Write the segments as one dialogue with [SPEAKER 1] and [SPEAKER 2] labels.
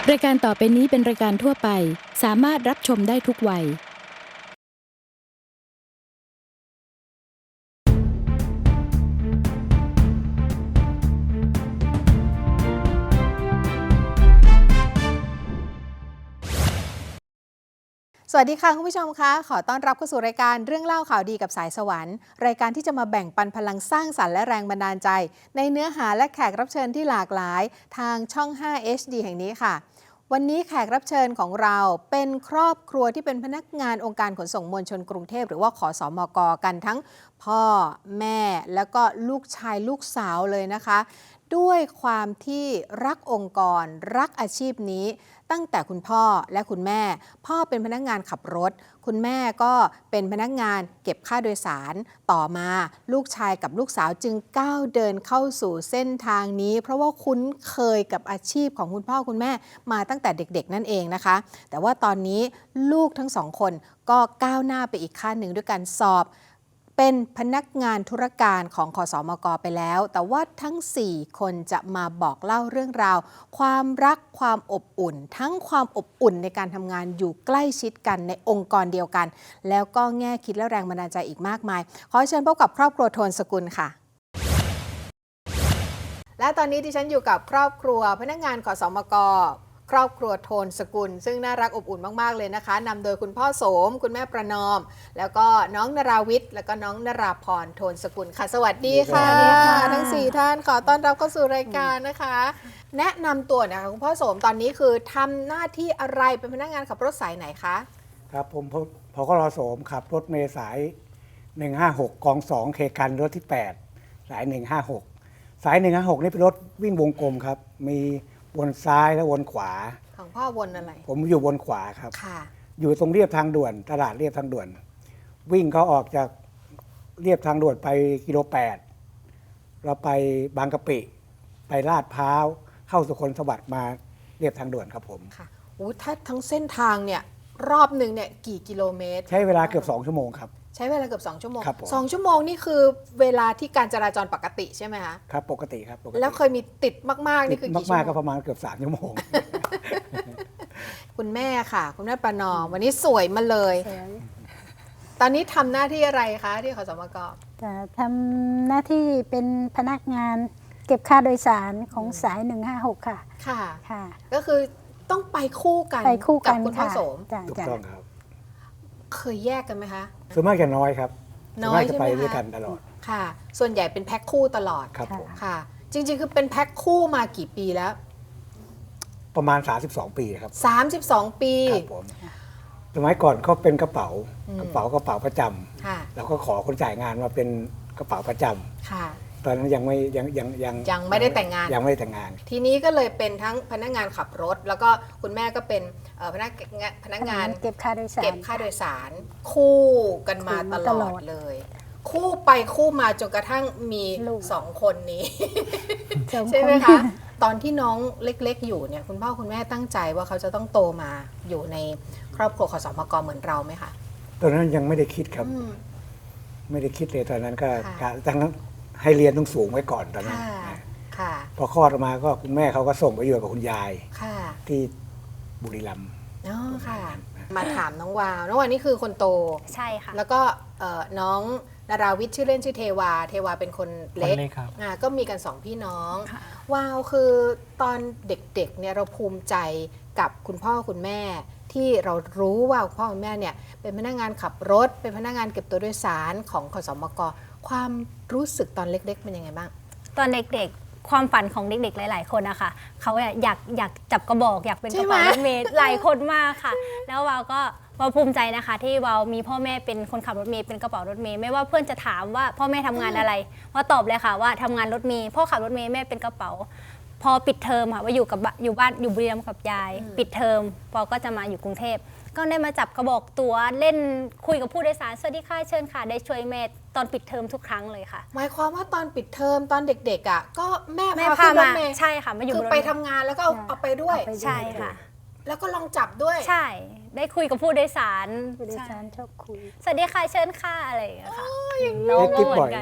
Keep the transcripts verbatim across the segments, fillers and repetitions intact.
[SPEAKER 1] รายการต่อไปนี้เป็นรายการทั่วไปสามารถรับชมได้ทุกวัย
[SPEAKER 2] สวัสดีค่ะคุณผู้ชมคะขอต้อนรับเข้าสู่รายการเรื่องเล่าข่าวดีกับสายสวรรค์รายการที่จะมาแบ่งปันพลังสร้างสรรค์และแรงบันดาลใจในเนื้อหาและแขกรับเชิญที่หลากหลายทางช่อง ห้า เอช ดี แห่งนี้ค่ะวันนี้แขกรับเชิญของเราเป็นครอบครัวที่เป็นพนักงานองค์การขนส่งมวลชนกรุงเทพหรือว่าขสมกกันทั้งพ่อแม่แล้วก็ลูกชายลูกสาวเลยนะคะด้วยความที่รักองค์กรรักอาชีพนี้ตั้งแต่คุณพ่อและคุณแม่พ่อเป็นพนักงานขับรถคุณแม่ก็เป็นพนักงานเก็บค่าโดยสารต่อมาลูกชายกับลูกสาวจึงก้าวเดินเข้าสู่เส้นทางนี้เพราะว่าคุ้นเคยกับอาชีพของคุณพ่อคุณแม่มาตั้งแต่เด็กๆนั่นเองนะคะแต่ว่าตอนนี้ลูกทั้งสองคนก็ก้าวหน้าไปอีกขั้นหนึ่งด้วยการสอบเป็นพนักงานธุรการของขสมกไปแล้วแต่ว่าทั้งสี่คนจะมาบอกเล่าเรื่องราวความรักความอบอุ่นทั้งความอบอุ่นในการทำงานอยู่ใกล้ชิดกันในองค์กรเดียวกันแล้วก็แง่คิดและแรงบันดาลใจอีกมากมายขอเชิญพบกับครอบครัวโทนสกุลค่ะและตอนนี้ดิฉันอยู่กับครอบครัวพนักงานขสมกครอบครัวโทนสกุลซึ่งน่ารักอบอุ่นมากๆเลยนะคะนำโดยคุณพ่อโสมคุณแม่ประนอมแล้วก็น้องนราวิทย์แล้วก็น้องนราพรโทนสกุลค่ะสวัสดีค่ะทั้งสี่ท่านขอต้อนรับเข้าสู่รายการนะคะแนะนำตัวนะคะคุณพ่อโสมตอนนี้คือทำหน้าที่อะไรเป็นพนักงานขับรถสายไหนคะ
[SPEAKER 3] ครับผมพกรโสมขับรถเมล์สายหนึ่งห้าหกกองสองเคกันรถที่แปดสายหนึ่งห้าหกสายหนึ่งห้าหกนี่เป็นรถวิ่งวงกลมครับมีวนซ้ายและวนขวา
[SPEAKER 2] ของพ่อวนอะไร
[SPEAKER 3] ผมอยู่วนขวาครับ
[SPEAKER 2] ค่ะ
[SPEAKER 3] อยู่ตรงเรียบทางด่วนตลาดเรียบทางด่วนวิ่งเขาออกจากเรียบทางด่วนไปกิโลแปดเราไปบางกะปิไปลาดพร้าวเข้าสุขนสวัสดิ์มาเรียบทางด่วนครับผม
[SPEAKER 2] ค่ะโอ้ถ้าทั้งเส้นทางเนี่ยรอบหนึ่งเนี่ยกี่กิโลเมตร
[SPEAKER 3] ใช้เวลาเกือบสองชั่วโมงครับ
[SPEAKER 2] ใช้เวลาเกือบสองชั่วโมง
[SPEAKER 3] ครับ
[SPEAKER 2] สองชั่วโมงนี่คือเวลาที่การจราจรปกติใช่ไหมคะ
[SPEAKER 3] ครับปกติครับปกติ
[SPEAKER 2] แล้วเคยมีติดมากๆนี่คือกี่ชั่วโมง
[SPEAKER 3] มากๆก็ประมาณเกือบสามชั่วโมง
[SPEAKER 2] คุณแม่ค่ะคุณแม่ประนอมวันนี้สวยมาเลยตอนนี้ทำหน้าที่อะไรคะที่ขสมก
[SPEAKER 4] จะทำหน้าที่เป็นพนักงานเก็บค่าโดยสารของสายหนึ่งห้าหกค่ะ
[SPEAKER 2] ค่ะ
[SPEAKER 4] ค่ะ
[SPEAKER 2] ก็คือต้องไปคู่กัน
[SPEAKER 4] ไปคู่กัน
[SPEAKER 2] กับคุณพ่อโสม
[SPEAKER 3] ถูกต้องครับ
[SPEAKER 2] เคยแยกกันไหมคะ
[SPEAKER 3] ส่วนมากจะน้อยครับ
[SPEAKER 2] น้อย
[SPEAKER 3] จะไปด้วยกันตลอด
[SPEAKER 2] ค่ะส่วนใหญ่เป็นแพ็คคู่ตลอด
[SPEAKER 3] ครับผม
[SPEAKER 2] ค่ะจริงๆคือเป็นแพ็คคู่มากี่ปีแล้ว
[SPEAKER 3] ประมาณสามสิบสองปีครับ
[SPEAKER 2] สามสิบสองปี
[SPEAKER 3] ครับผมสมัยก่อนเขาเป็นกระเป๋ากระเป๋ากระเป๋าประจำแล้วก็ขอคนจ่ายงานมาเป็นกระเป๋าประจำ
[SPEAKER 2] ค่ะ
[SPEAKER 3] ตอนนั้นยังไม่ยังยัง
[SPEAKER 2] ยังยังไม่ได้แต่งงาน
[SPEAKER 3] ยังไม่ได้แต่งงาน
[SPEAKER 2] ทีนี้ก็เลยเป็นทั้งพนักงานขับรถแล้วก็คุณแม่ก็เป็นพนักงานพนักงาน
[SPEAKER 4] เก็บค่าโดยสาร
[SPEAKER 2] เก็บค่าโดยสารคู่กันมาตลอดเลยคู่ไปคู่มาจนกระทั่งมีสองคนนี้ใช่ไหมคะตอนที่น้องเล็กๆอยู่เนี่ยคุณพ่อคุณแม่ตั้งใจว่าเขาจะต้องโตมาอยู่ในครอบครัวขสมกเหมือนเราไหมคะ
[SPEAKER 3] ตอนนั้นยังไม่ได้คิดครับไม่ได้คิดเลยตอนนั้นก็ตั้งให้เรียนต้องสูงไว้ก่อนตอนนั้นพอคลอดออกมาก็คุณแม่เขาก็ส่งไปอยู่กับคุณยายที่บุรีรัมย์
[SPEAKER 2] อ๋อค่ะมาถามน้องวาวน้องวาวนี่คือคนโต
[SPEAKER 5] ใช่ค่ะ
[SPEAKER 2] แล้วก็น้องนาราวิทย์ชื่อเล่นชื่อเทวาเทวาเป็นคนเล็กก็มีกันสองพี่น้องวาวคือตอนเด็กๆเนี่ยเราภูมิใจกับคุณพ่อคุณแม่ที่เรารู้ว่าพ่อคุณแม่เนี่ยเป็นพนักงานขับรถเป็นพนักงานเก็บตัวโดยสารของขสมกความรู้สึกตอนเล็กๆเป็นยังไงบ้าง
[SPEAKER 5] ตอนเด็กๆความฝันของเด็กๆหลายๆคนนะคะเขาอยากอยากจับกระบอกอยากเป็นกระเป๋ารถเมล์หลายคนมากค่ะแล้ววาวก็วาวภูมิใจนะคะที่วาวมีพ่อแม่เป็นคนขับรถเมล์เป็นกระเป๋ารถเมล์ไม่ว่าเพื่อนจะถามว่าพ่อแม่ทำงานอะไรวาวตอบเลยค่ะว่าทำงานรถเมล์พ่อขับรถเมล์แม่เป็นกระเป๋าพอปิดเทอมค่ะว่าอยู่กับอยู่บ้านอยู่บุรีรัมย์กับยายปิดเทอมปอก็จะมาอยู่กรุงเทพก็ได้มาจับกระบอกตัวเล่นคุยกับผู้โดยสารสวัสดีค่ะเชิญค่ะได้ช่วยแม่ตอนปิดเทอมทุกครั้งเลยค่ะ
[SPEAKER 2] หมายความว่าตอนปิดเทอมตอนเด็กๆอ่ะก็แม่
[SPEAKER 5] พา
[SPEAKER 2] พา
[SPEAKER 5] มาใช่ค่ะมาอยู่
[SPEAKER 2] คือไปทำงานแล้วก็เอาไปด้วย
[SPEAKER 5] ใช่ค่ะ
[SPEAKER 2] แล้วก็ลองจับด้วย
[SPEAKER 5] ใช่ได้คุยกับผู้โดยสาร
[SPEAKER 4] ผู้โดยสารชอบคุย
[SPEAKER 5] สวัสดีค่ะเชิญค่ะอะไรอย่างเงี้ยค่ะ
[SPEAKER 3] น้องก็เหมือนกัน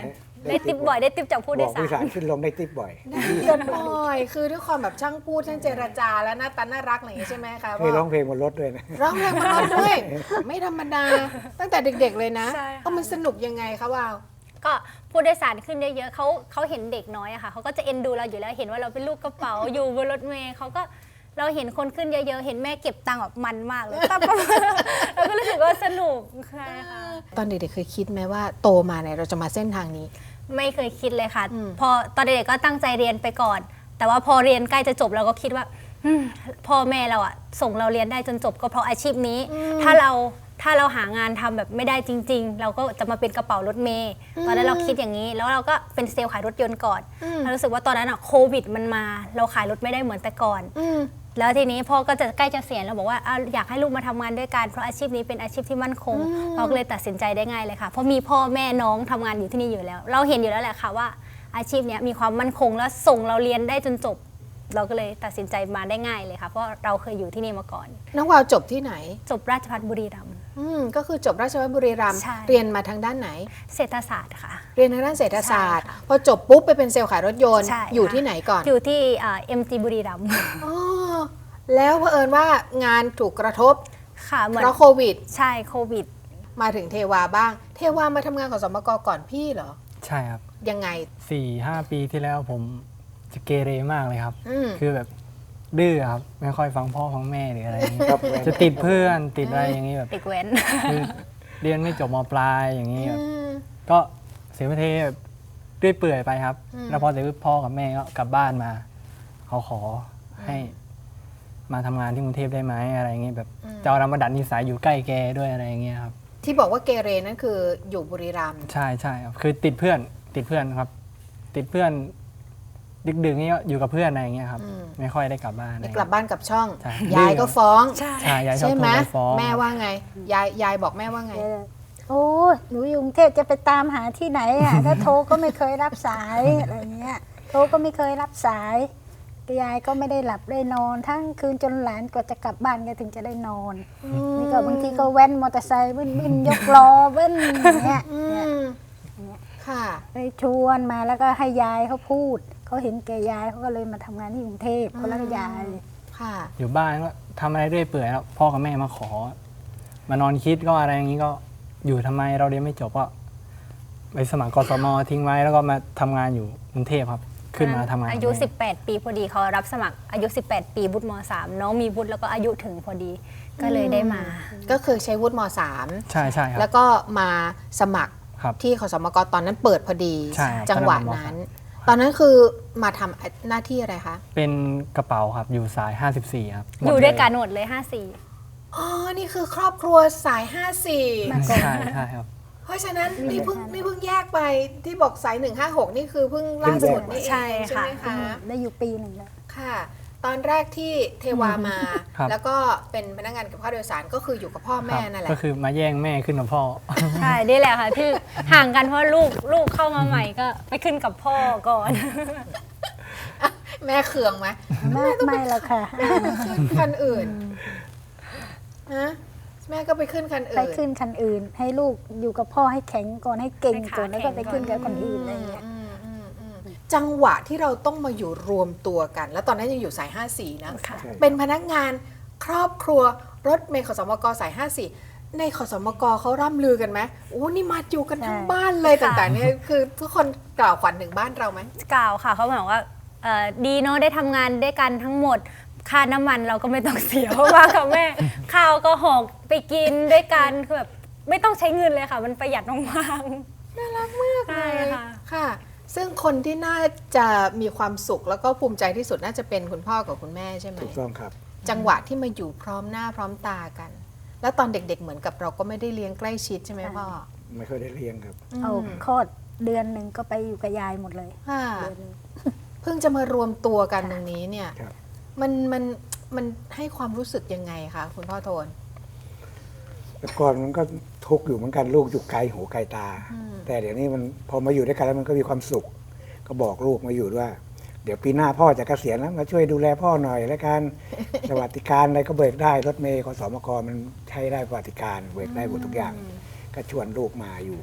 [SPEAKER 5] ได้ติปบ่อยได้ติปจากผู้โด
[SPEAKER 3] บอก
[SPEAKER 5] ยสา
[SPEAKER 3] ผู้โดยสาร
[SPEAKER 5] ร
[SPEAKER 3] ขึ้นลงได้ติ๊บบ่อย
[SPEAKER 2] เกินบ่อยคือด้วยความแบบช่างพูดช่างเจรจาและหน้าตาน่ารักอะไรอย่างงี้ใช่ไหมคะ
[SPEAKER 3] เคยร้องเพลงบนรถด้วยนะ
[SPEAKER 2] ร้องเพลงมาร้องด้วย ไม่ธรรมดา ตั้งแต่เด็กๆเลยนะ
[SPEAKER 5] ใช่ค่ะ
[SPEAKER 2] เออมันสนุกยังไงคะวาว
[SPEAKER 5] ก็ผู้โดยสารขึ้นเยอะๆเขาเขาเห็นเด็กน้อยอะค่ะเขาก็จะเอ็นดูเราอยู่แล้วเห็นว่าเราเป็นลูกกระเป๋า อยู่บนรถเมล์เขาก็เราเห็นคนขึ้นเยอะๆเห็นแม่เก็บตังค์แบบมันมากเลยปั๊บปั๊บเราก็รู้สึกว่าสนุกใช่ค่ะ
[SPEAKER 2] ตอนเด็กๆเคยคิดไหมว่าโตมาเนี่ยเราจะมาเส้นทางนี้
[SPEAKER 5] ไม่เคยคิดเลยค่ะ
[SPEAKER 2] อืม
[SPEAKER 5] พอตอนเด็กๆก็ตั้งใจเรียนไปก่อน แต่ว่าพอเรียนใกล้จะจบเราก็คิดว่าอืมพ่อแม่เราอะส่งเราเรียนได้จนจบก็เพราะอาชีพนี้ ถ้าเราถ้าเราหางานทำแบบไม่ได้จริง ๆ เราก็จะมาเป็นกระเป๋ารถเมย์ตอนนั้นเราคิดอย่างนี้ แล้วเราก็เป็นเซลล์ขายรถยนต์ก่อนเรารู้สึกว่าตอนนั้นอะโควิดมันมา เราขายรถไม่ได้เหมือนแต่ก่อน
[SPEAKER 2] อืม
[SPEAKER 5] แล้วทีนี้พ่อก็จะใกล้จะเสียณเราบอกว่าเอาอยากให้ลูกมาทำงานด้วยกันเพราะอาชีพนี้เป็นอาชีพที่มั่นคงเราก็เลยตัดสินใจได้ง่ายเลยค่ะเพราะมีพ่อแม่น้องทำงานอยู่ที่นี่อยู่แล้ว เราเห็นอยู่แล้วแหละค่ะว่าอาชีพเนี้ยมีความมั่นคงและส่งเราเรียนได้จนจบ เราก็เลยตัดสินใจมาได้ง่ายเลยค่ะเพราะเราเคยอยู่ที่นี่มาก่อน
[SPEAKER 2] น้องวาวจบที่ไหน
[SPEAKER 5] จบราชภัฏบุรีรัมย์
[SPEAKER 2] อืมก็คือจบราชภัฏบุรีรัมย์
[SPEAKER 5] ใช่
[SPEAKER 2] เรียนมาทางด้านไหน
[SPEAKER 5] เศรษฐศาสตร์ค่ะ
[SPEAKER 2] เรียนทางด้านเศรษฐศาสตร์
[SPEAKER 5] ใช่ค่ะ
[SPEAKER 2] พอจบปุ๊บไปเป็นเซลล์ขายรถยนต์
[SPEAKER 5] ใช่
[SPEAKER 2] อยู่
[SPEAKER 5] ค่ะ
[SPEAKER 2] ที่ไหนก่อน
[SPEAKER 5] อยู่ที่เอ็มจีบุรีรัมย์
[SPEAKER 2] อ๋อแล้วเผอิญว่างานถูกกระทบ
[SPEAKER 5] ค่ะเหมือน
[SPEAKER 2] เพราะโควิด
[SPEAKER 5] ใช่โควิด
[SPEAKER 2] มาถึงเทวาบ้าง เทวามาทำงานของสมกก่อนพี่เหรอ
[SPEAKER 6] ใช่ครับ
[SPEAKER 2] ยังไง
[SPEAKER 6] สี่ห้าปีที่แล้วผมจะเกเรมากเลยครับ
[SPEAKER 2] อืม
[SPEAKER 6] คือแบบดื้อครับ ไม่ค่อยฟังพ่อฟังแม่หรืออะไรอย่างนี้
[SPEAKER 3] ครับ
[SPEAKER 6] จะติดเพื่อนติดอะไรอย่างนี้แบบ
[SPEAKER 5] เด็กเว้น
[SPEAKER 6] คือเรียนไม่จบมปลายอย่างนี้แบบ
[SPEAKER 2] อืม
[SPEAKER 6] ก็เสียประเทศแบบเรื่อยเปื่อยไปครับ
[SPEAKER 2] อืม
[SPEAKER 6] แล้วพอเสร็จปุ๊บพ่อกับแม่ก็กลับบ้านมา เขาขอให้มาทำงานที่กรุงเทพได้ไหมอะไรอย่างนี้แบบจะเอาเรามาดัดนิสัยอยู่ใกล้แกด้วยอะไรอย่างเงี้ยครับ
[SPEAKER 2] ที่บอกว่าเกเรนั่นคืออยู่บุรีรัมย์
[SPEAKER 6] ใช่ใช่ครับคือติดเพื่อนติดเพื่อนครับ ติดเพื่อนดึกๆนี่ก็อยู่กับเพื่อนอะไรอย่างเงี้ยครับ ไม่ค่อยได้กลับบ้านอะไร
[SPEAKER 2] นี่
[SPEAKER 6] อย่าง
[SPEAKER 2] กลับ
[SPEAKER 6] เงี้ย
[SPEAKER 2] บ้านกับช่อง
[SPEAKER 6] ใช่
[SPEAKER 2] ยายก็ฟ้อง
[SPEAKER 5] ใช่
[SPEAKER 6] ใช่ยายชอบ
[SPEAKER 2] ใช่
[SPEAKER 6] โท
[SPEAKER 2] ไหม
[SPEAKER 6] รไปฟ้อง
[SPEAKER 2] แม่ว่าไง ยายยายบอกแม่ว่าไง
[SPEAKER 4] โอ้หนูอยู่กรุงเทพจะไปตามหาที่ไหนอ่ะ ถ้าโทรก็ไม่เคยรับสายอะไรเงี้ยโทรก็ไม่เคยรับสายยายก็ไม่ได้หลับได้นอน ทั้งคืนจนหลานกว่าจะกลับบ้านก็ถึงจะได้นอนนี่ก็บางทีก็แว้นมอเตอร์ไซค์วิ่นวิ่นยกล้อเว้นอย่างเงี้ย
[SPEAKER 2] อืมค่ะ
[SPEAKER 4] ไปชวนมาแล้วก็ให้ยายเขาพูดเขาเห็นแก่ยายเขาก็เลยมาทำงานที่กรุงเทพเขารักยาย
[SPEAKER 2] ค่ะ
[SPEAKER 6] อยู่บ้านก็ทำอะไรเรื่อยเปื่อยแล้วพ่อกับแม่มาขอ มานอนคิดก็อะไรอย่างนี้ก็อยู่ทำไมเราเรียนไม่จบก็ไปสมัครกสมทิ้งไว้แล้วก็มาทำงานอยู่กรุงเทพครับ ขึ้นมาทำงาน
[SPEAKER 5] อายุ
[SPEAKER 6] กับแม่
[SPEAKER 5] สิบแปด ปีพอดีเขารับสมัครอายุ สิบแปด ปีบุตรมสามน้องมีบุตรแล้วก็อายุถึงพอดีก็เลยได้มา
[SPEAKER 2] ก็คือใช้วุฒิมสาม
[SPEAKER 6] ใช่ใช่ครับ
[SPEAKER 2] แล้วก็มาสมัคร
[SPEAKER 6] ครับ
[SPEAKER 2] ที่ขสมกตอนนั้นเปิดพอดี
[SPEAKER 6] ใช่ครับ
[SPEAKER 2] จังหวะ
[SPEAKER 6] ตอนนั้น
[SPEAKER 2] นั้น
[SPEAKER 6] ผม
[SPEAKER 2] ตอนนั้นคือมาทำหน้าที่อะไรคะ
[SPEAKER 6] เป็นกระเป๋าครับอยู่สาย ห้าสิบสี่ ครับหม
[SPEAKER 5] อยู่
[SPEAKER 6] เล
[SPEAKER 5] ด้วยกันหมดเลย ห้าสี่
[SPEAKER 2] อ๋อ นี่คือครอบครัวสาย ห้าสี่
[SPEAKER 6] ใช่ใช่ครับ
[SPEAKER 2] เพราะฉะนั้นนี่เพิ่งนี่เพิ่งแยกไปที่บอกสาย หนึ่งห้าหก นี่คือเพิ่งล่าสุดนี่เอง
[SPEAKER 5] ใช่
[SPEAKER 2] ใช่ไหม
[SPEAKER 5] ค่ะ
[SPEAKER 2] คะ
[SPEAKER 4] ได้อยู่ปีหนึ่งแล้ว
[SPEAKER 2] ค่ะ ตอนแรกที่เทวามา
[SPEAKER 6] ครับ
[SPEAKER 2] แล้วก็เป็นพนักงานเก็บค่าโดยสารก็คืออยู่กับพ่อ
[SPEAKER 6] ค
[SPEAKER 2] แม่
[SPEAKER 6] รับ
[SPEAKER 2] นั่นแหละ
[SPEAKER 6] ก็คือมาแย่งแม่ขึ้นกับพ่อ
[SPEAKER 5] ใช่นี่แหละค่ะที่ห่างกันเพราะลูกลูกเข้ามาใหม่ก็ไปขึ้นกับพ่อก่อน
[SPEAKER 2] แม่เคืองไหม
[SPEAKER 4] ไม่ไม่หรอกค่ะ
[SPEAKER 2] ขึ้นคันอื่นฮะแม่ก็ไปขึ้นคัน
[SPEAKER 4] ไป
[SPEAKER 2] อื่น
[SPEAKER 4] ขึ้นคันอื่น ให้ลูกอยู่กับพ่อให้แข็งก่อนให้เก่งก่อน
[SPEAKER 5] ให้
[SPEAKER 4] แล้ว
[SPEAKER 5] ขา
[SPEAKER 4] ก็ไปขึ้นกับคนอื่นอะไรเงี้ย
[SPEAKER 2] อืมอืมอืมจังหวะที่เราต้องมาอยู่รวมตัวกัน แล้วตอนนั้นยังอยู่สาย ห้าสี่ นะ
[SPEAKER 5] ค่ะ
[SPEAKER 3] ใช่
[SPEAKER 2] เป็นพนักงานครอบครัวรถเมล์ขสมกสาย ห้าสี่ ในขสมกเขาร่ำลือกันไหมโอ้นี่มาอยู่กันทั้ง
[SPEAKER 4] ใช่
[SPEAKER 2] บ้านเลย
[SPEAKER 5] ค่ะ
[SPEAKER 2] ต่างๆเนี่ยคือทุกคนกล่าวขวัญถึงบ้านเราไหม
[SPEAKER 5] กล่าวค่ะเขาบอกว่าเอ่อดีเนาะได้ทำงานด้วยกันทั้งหมดค่าน้ำมันเราก็ไม่ต้องเสียเพราะว่ากับแม่ข้าวก็หอกไปกินด้วยกันคือแบบไม่ต้องใช้เงินเลยค่ะ มันประหยัดมากๆ
[SPEAKER 2] น่ารักมาก
[SPEAKER 5] ใช่
[SPEAKER 2] เลย
[SPEAKER 5] ค่ะ
[SPEAKER 2] ค่ะ ซึ่งคนที่น่าจะมีความสุขแล้วก็ภูมิใจที่สุดน่าจะเป็นคุณพ่อกับคุณแม่ใช่ไหม
[SPEAKER 3] ถูกต้องครับ
[SPEAKER 2] จังหวะที่มาอยู่พร้อมหน้าพร้อมตากัน แล้วตอนเด็กๆเหมือนกับเราก็ไม่ได้เลี้ยงใกล้ชิดใช่ไหมพ่อ
[SPEAKER 3] ไม่ค่อยได้เลี้ยงครับ
[SPEAKER 4] เอาคลอดเดือนหนึ่งก็ไปอยู่กับยายหมดเลย
[SPEAKER 2] ค่ะ
[SPEAKER 4] เดือนหนึ่ง
[SPEAKER 2] เพิ่งจะมารวมตัวกันตรงนี้เนี่ย
[SPEAKER 3] ครับ
[SPEAKER 2] มันมันมันให้ความรู้สึกยังไงคะคุณพ่อโทน
[SPEAKER 3] แต่ก่อนมันก็ทุกข์อยู่เหมือนกันลูกอยู่ไกลหูไกลตา แต่เดี๋ยวนี้มันพอมาอยู่ด้วยกันแล้วมันก็มีความสุข ก็บอกลูกมาอยู่ด้วย เดี๋ยวปีหน้าพ่อจะเกษียณแล้วมาช่วยดูแลพ่อหน่อยแล้วกัน สวัสดิการอะไรก็เบิกได้รถเมล์ขสมกมันใช้ได้สวัสดิการเบิกได้หมดทุกอย่าง ก็ชวนลูกมาอยู่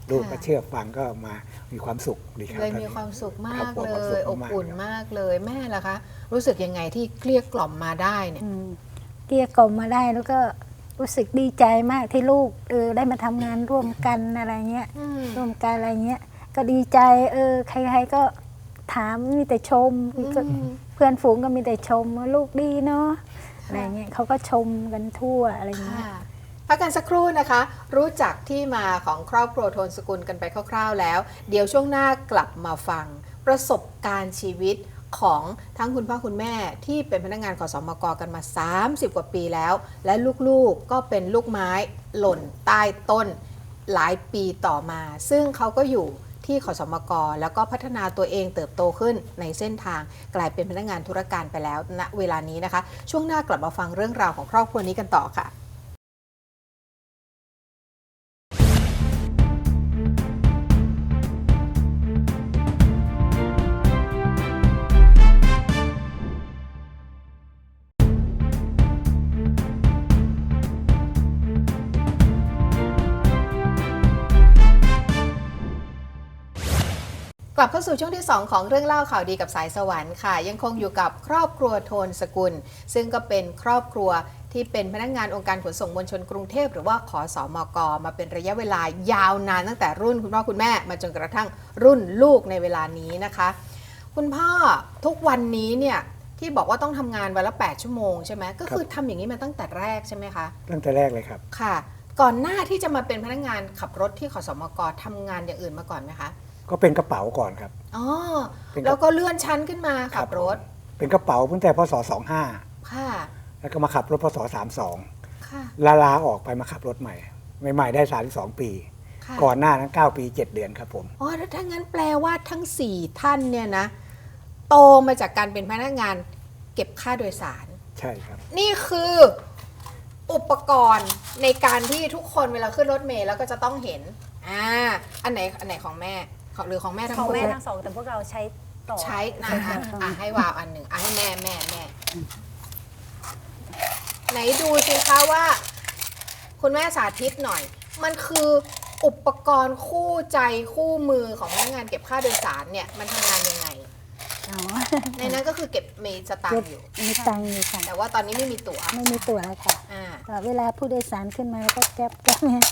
[SPEAKER 3] ลูกก็เชื่อฟังก็มามีความสุขดีครับ
[SPEAKER 2] เลยมี
[SPEAKER 3] ตอนนี้
[SPEAKER 2] ความสุขมา
[SPEAKER 3] คร
[SPEAKER 2] ก
[SPEAKER 3] อบครัว
[SPEAKER 2] เล
[SPEAKER 3] ความสุ
[SPEAKER 2] ย
[SPEAKER 3] ข
[SPEAKER 2] อบ
[SPEAKER 3] มากๆ
[SPEAKER 2] อุ่น
[SPEAKER 3] ครับ
[SPEAKER 2] มากเลยแม่ล่ะคะ รู้สึกยังไงที่เกลี้ยกล่อมมาได้เนี่ย
[SPEAKER 4] อืมเกลี้ยกล่อมมาได้แล้วก็รู้สึกดีใจมากที่ลูกเออได้มาทำงานร่วมกันอะไรเงี้ย
[SPEAKER 2] อืม
[SPEAKER 4] ร่วมกันอะไรเงี้ยก็ดีใจเออใครๆก็ถามมีแต่ชมก็เพื่อนฝูงก็มีแต่ชมว่าลูกดีเนาะอะไรเงี้ยเขาก็ชมกันทั่วอะไรเงี้ย
[SPEAKER 2] ค่ะพักกันสักครู่นะคะ รู้จักที่มาของครอบครัวโทนสกุลกันไปคร่าวๆแล้ว เดี๋ยวช่วงหน้ากลับมาฟังประสบการณ์ชีวิตของทั้งคุณพ่อคุณแม่ที่เป็นพนักงานขสมกกันมา สามสิบ กว่าปีแล้ว และลูกๆก็เป็นลูกไม้หล่นใต้ต้นหลายปีต่อมา ซึ่งเขาก็อยู่ที่ขสมกแล้วก็พัฒนาตัวเองเติบโตขึ้นในเส้นทางกลายเป็นพนักงานธุรการไปแล้วณเวลานี้นะคะ ช่วงหน้ากลับมาฟังเรื่องราวของครอบครัวนี้กันต่อค่ะ กลับเข้าสู่ช่วงที่ สอง ของเรื่องเล่าข่าวดีกับสายสวรรค์ค่ะ ยังคงอยู่กับครอบครัวโทนสกุล ซึ่งก็เป็นครอบครัวที่เป็นพนักงานองค์การขนส่งมวลชนกรุงเทพหรือว่าขสมกมาเป็นระยะเวลายาวนานตั้งแต่รุ่นคุณพ่อคุณแม่มาจนกระทั่งรุ่นลูกในเวลานี้นะคะ คุณพ่อทุกวันนี้เนี่ยที่บอกว่าต้องทำงานวันละแปดชั่วโมงใช่ไหมก็คือทำอย่างนี้มาตั้งแต่แรกใช่ไหมคะ
[SPEAKER 3] ตั้งแต่แรกเลยครับ
[SPEAKER 2] ค่ะ ก่อนหน้าที่จะมาเป็นพนักงานขับรถที่ขสมกทำงานอย่างอื่นมาก่อนไหมคะ
[SPEAKER 3] ก็เป็นกระเป๋าก่อนครับ
[SPEAKER 2] อ๋อ
[SPEAKER 3] เป็นกระ
[SPEAKER 2] แล้วก็เลื่อนชั้นขึ้นมาขับรถ
[SPEAKER 3] เป็นกระเป๋าตั้งแต่พศสองห้า
[SPEAKER 2] ค่ะ
[SPEAKER 3] แล้วก็มาขับรถพศสามสอง
[SPEAKER 2] ค่ะ
[SPEAKER 3] ลาลาออกไปมาขับรถใหม่ใหม่ๆได้สามสิบสองปี
[SPEAKER 2] ค่ะ
[SPEAKER 3] ก่อนหน้านั้นเก้าปีเจ็ดเดือนครับผม
[SPEAKER 2] อ๋อถ้างั้นแปลว่าทั้งสี่ท่านเนี่ยนะ โตมาจากการเป็นพนักงานเก็บค่าโดยสาร
[SPEAKER 3] ใช่ครับ
[SPEAKER 2] นี่คืออุปกรณ์ในการที่ทุกคนเวลาขึ้นรถเมล์แล้วก็จะต้องเห็น อ่า อันไหนอันไหนของแม่ของหรือของแม่ทั้ง
[SPEAKER 5] ของ
[SPEAKER 2] หมด
[SPEAKER 5] แม่ทั้งสองแต่พวกเราใช้ต่อ
[SPEAKER 2] ใช้นะคะอ่ะให้วาวอันหนึ่งอ่ะให้แม่แม่แม่ ไหนดูสิคะว่า คุณแม่สาธิตหน่อย มันคืออุปกรณ์คู่ใจคู่มือของพนักงานเก็บค่าโดยสารเนี่ยมันทำงานยังไง
[SPEAKER 4] อ๋อ
[SPEAKER 2] ในนั้นก็คือเก็บมีสตาง
[SPEAKER 4] เก็บ
[SPEAKER 2] ค์อยู่
[SPEAKER 4] มีตังค์อยู่ค่ะ
[SPEAKER 2] แต่ว่าตอนนี้ไม่มีตั๋ว
[SPEAKER 4] ไม่มีตั๋วแล้วค่ะ
[SPEAKER 2] อ่า
[SPEAKER 4] แต่เวลาผู้โดยสารขึ้นมาแล้วก็แก๊บแก๊บเนี่ย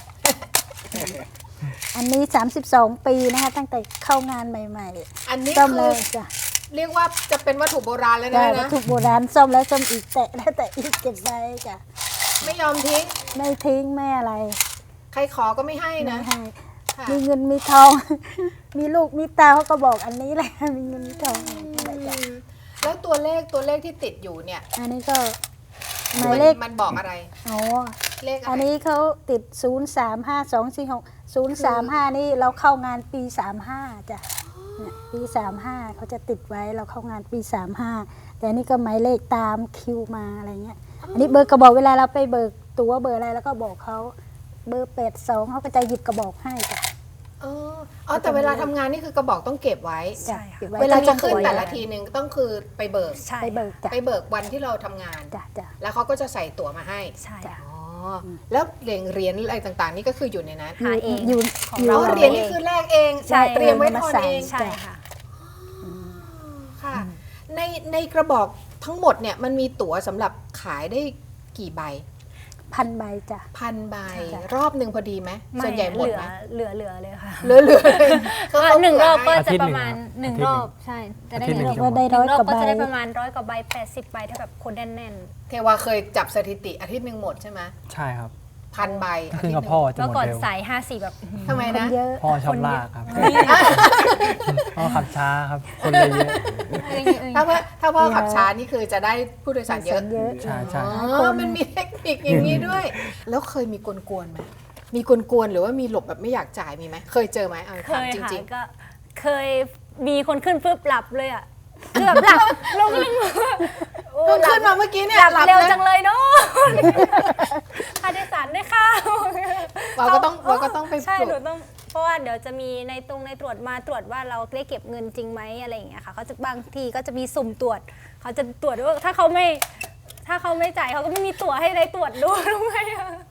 [SPEAKER 4] อันนี้ สามสิบสอง ปีนะคะตั้งแต่เข้างานใหม่
[SPEAKER 2] อันนี้
[SPEAKER 4] ๆซ่อม
[SPEAKER 2] คื
[SPEAKER 4] เล
[SPEAKER 2] อย
[SPEAKER 4] จ้ะ
[SPEAKER 2] เรียกว่าจะเป็นวัตถุโบราณแล้ว
[SPEAKER 4] จ้ะ
[SPEAKER 2] นะ
[SPEAKER 4] วัต
[SPEAKER 2] นะ
[SPEAKER 4] ถุโบราณซ่อมแล้วซ่อมอีกแตะแล้วแต่อีกเก็บไว้จ้ะ
[SPEAKER 2] ไม่ยอมทิ้ง
[SPEAKER 4] ไม่ทิ้งไม่อะไร
[SPEAKER 2] ใครขอก็ไม่ให้
[SPEAKER 4] ไม่
[SPEAKER 2] นะ
[SPEAKER 4] ให้
[SPEAKER 2] ค่ะ
[SPEAKER 4] มีเงินมีทอง มีลูกมีเตาเขาก็บอกอันนี้แหละ มีเงินมีทองอะไรจ้ะ
[SPEAKER 2] อืมแล้วตัวเลขตัวเลขที่ติดอยู่เนี่ย
[SPEAKER 4] อันนี้ก็ห
[SPEAKER 2] มั
[SPEAKER 4] มายเลข
[SPEAKER 2] มันบอกอะไร
[SPEAKER 4] อ๋อ
[SPEAKER 2] เลขอะ
[SPEAKER 4] อัน
[SPEAKER 2] ไร
[SPEAKER 4] นี้เขาติด ศูนย์ สาม ห้า สอง สี่ หก ศูนย์ สาม ห้า นี่เราเข้างานปี สามห้า จ้ะเนี่ยปี สามห้า เขาจะติดไว้เราเข้างานปี สามห้า แต่อันนี่ก็หมายเลขตามคิวมาอะไรเงี้ย อันนี้เบอร์กระบอกเวลาเราไปเบิกตั๋วเบอร์อะไรแล้วก็บอกเขาเบอร์แปดสองเขาก็จะหยิบกระบอกให้จ้ะ
[SPEAKER 2] เอออ๋อแต่เวลาทำงานนี่คือกระบอกต้องเก็บไว้
[SPEAKER 5] ใช่ค่ะ
[SPEAKER 4] ก็บไ
[SPEAKER 2] เวลาจะ
[SPEAKER 4] ต้อง
[SPEAKER 2] ขึ้น
[SPEAKER 4] ตรวจ
[SPEAKER 2] แต่ละทีนึงต้องคือไปเบิก
[SPEAKER 5] ใช่
[SPEAKER 4] ไปเบิกจ้ะ
[SPEAKER 2] ไปเบิกวันที่เราทำงาน
[SPEAKER 4] จ้ะจ้ะ
[SPEAKER 2] แล้วเขาก็จะใส่ตั๋วมาให้
[SPEAKER 5] ใช่
[SPEAKER 4] จ้ะ
[SPEAKER 5] ค่ะ
[SPEAKER 2] อ๋ออแล้วเหรียญเหรียญอะไรต่างๆ นี่ก็คืออยู่ในนั้น
[SPEAKER 5] หาเอง
[SPEAKER 4] อยู่
[SPEAKER 5] ของ
[SPEAKER 4] อยู่
[SPEAKER 2] เรา
[SPEAKER 5] า
[SPEAKER 2] เหรียญนี่คือแลกเอง
[SPEAKER 5] ใช่
[SPEAKER 2] เตรียมไว้ทอนเอง
[SPEAKER 5] ใช่ค่ะ
[SPEAKER 2] ค่ะ ในในกระบอกทั้งหมดเนี่ยมันมีตั๋วสำหรับขายได้กี่ใบ
[SPEAKER 4] พันใบจ้ะ
[SPEAKER 2] พันใบ
[SPEAKER 4] จ้ะ
[SPEAKER 2] รอบหนึ่งพอดีไหม
[SPEAKER 5] ไม่
[SPEAKER 2] ส่วนใหญ่หมด
[SPEAKER 5] เหลื
[SPEAKER 2] ไห
[SPEAKER 5] อ
[SPEAKER 2] ม
[SPEAKER 5] เหลือเหลือเลยค่ะ
[SPEAKER 2] เหลือเหลือเลย
[SPEAKER 5] ก็หนึ่งรอบก็
[SPEAKER 2] ให้
[SPEAKER 5] จะประมาณ
[SPEAKER 6] อาทิตย์
[SPEAKER 5] หนึ่ง
[SPEAKER 6] หนึ่ง
[SPEAKER 5] ร
[SPEAKER 6] ค
[SPEAKER 5] อ
[SPEAKER 6] รับ
[SPEAKER 5] บใช่จะได้
[SPEAKER 6] อาทิตย์หนึ่
[SPEAKER 5] ห
[SPEAKER 6] ง
[SPEAKER 5] นึ่ง
[SPEAKER 4] ก็ได้
[SPEAKER 5] ห
[SPEAKER 4] ร้อย
[SPEAKER 5] นึ่งรอบ
[SPEAKER 4] กว่า
[SPEAKER 5] ก็
[SPEAKER 4] ใบ
[SPEAKER 5] จะได้ประมาณร้อยกว่าใบแปดสิบใบถ้าแบบคนแน่น
[SPEAKER 2] เทวาเคยจับสถิติอาทิตย์หนึ่งหมดใช่ไหม
[SPEAKER 6] ใช่ครับ
[SPEAKER 2] พันใบ
[SPEAKER 6] ถ้าขึ้นกับพ่อ
[SPEAKER 5] ๆ
[SPEAKER 6] จะ
[SPEAKER 5] แล้ว
[SPEAKER 6] หมด
[SPEAKER 5] ก่อน
[SPEAKER 6] เร็ว
[SPEAKER 5] สายห้าสี่แบบ
[SPEAKER 2] ทำไม
[SPEAKER 4] คน
[SPEAKER 2] นะ
[SPEAKER 4] เยอะ
[SPEAKER 6] พ่อชอบลากครับพ่อขับช้าครับ คนเลยเยอะ
[SPEAKER 2] ถ้าพ่อถ้าพ่อขับช้านี่คือจะได้ผู้โดยสารเยอะ
[SPEAKER 4] เยอะ
[SPEAKER 6] ใช่ใช่
[SPEAKER 2] อ๋อมันมีเทคนิคอย่างนี้ด้วย แล้วเคยมีกวนๆไหมมีกวนๆหรือว่ามีหลบแบบไม่อยากจ่ายมีไหมเคยเจอไหมเอา
[SPEAKER 5] เค
[SPEAKER 2] ถาม
[SPEAKER 5] ย
[SPEAKER 2] จ
[SPEAKER 5] ค่ะ
[SPEAKER 2] ริง
[SPEAKER 5] ก็เคยมีคนขึ้นปุ๊บหลับเลยอ่ะคือแบบหลับลงเลยโอ้
[SPEAKER 2] ๆเพิ่ง
[SPEAKER 5] หลั
[SPEAKER 2] ขึ้
[SPEAKER 5] บ
[SPEAKER 2] นมาเมื่อกี้เนี่ย
[SPEAKER 5] หลับเร็ว
[SPEAKER 2] นะ
[SPEAKER 5] จังเลยเนาะค่าโดยสารด้วยค่ะ
[SPEAKER 2] เราก็ต้องเราก็ต้องไป
[SPEAKER 5] ใช่
[SPEAKER 2] ปลุ
[SPEAKER 5] หนู
[SPEAKER 2] ก
[SPEAKER 5] ต้องเพราะว่าเดี๋ยวจะมีในตรงในตรวจมาตรวจว่าเราได้เก็บเงินจริงไหมอะไรอย่างเงี้ยค่ะเขาจะบางทีก็จะมีสุ่มตรวจเขาจะตรวจว่าถ้าเขาไม่ถ้าเขาไม่จ่ายเขาก็ไม่มีตั๋วให้ในตรวจด้วยรู้ไหมอะ